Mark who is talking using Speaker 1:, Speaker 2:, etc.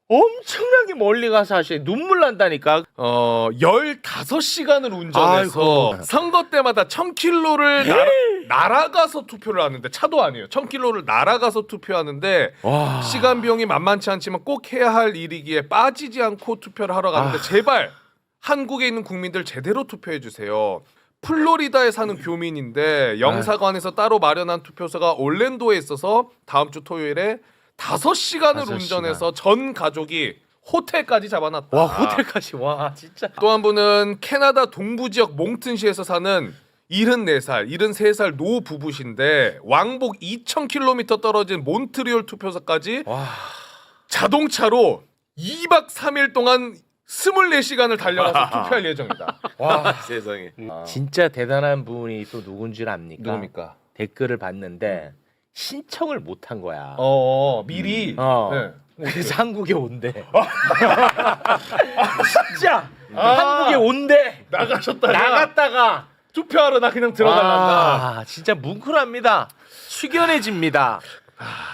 Speaker 1: 엄청나게 멀리 가서 하시네. 눈물 난다니까.
Speaker 2: 15시간을 운전해서
Speaker 1: 아이고.
Speaker 2: 선거 때마다 1000km를 날아가서 투표를 하는데 차도 아니에요. 1000km를 날아가서 투표하는데
Speaker 1: 와.
Speaker 2: 시간 비용이 만만치 않지만 꼭 해야 할 일이기에 빠지지 않고 투표를 하러 가는데 제발 한국에 있는 국민들 제대로 투표해 주세요. 플로리다에 사는 교민인데 영사관에서 따로 마련한 투표소가 올랜도에 있어서 다음 주 토요일에 5시간을
Speaker 1: 5시간.
Speaker 2: 운전해서 전 가족이 호텔까지 잡아놨다.
Speaker 1: 와, 호텔까지. 와, 진짜.
Speaker 2: 또 한 분은 캐나다 동부 지역 몽튼시에서 사는 74살, 73살 노 부부신데 왕복 2,000km 떨어진 몬트리올 투표소까지
Speaker 1: 와.
Speaker 2: 자동차로 2박 3일 동안 24시간을 달려가서 투표할 예정이다.
Speaker 1: 와,
Speaker 2: 세상에.
Speaker 1: 진짜 대단한 분이 또 누군지 압니까?
Speaker 2: 누굽니까?
Speaker 1: 댓글을 봤는데 신청을 못 한 거야.
Speaker 2: 미리.
Speaker 1: 네.
Speaker 2: 네.
Speaker 1: 그래서 한국에 온대. 진짜 한국에 온대. 나갔다가
Speaker 2: 투표하러 나 그냥 들어갈란다.
Speaker 1: 진짜 뭉클합니다. 숙연해집니다.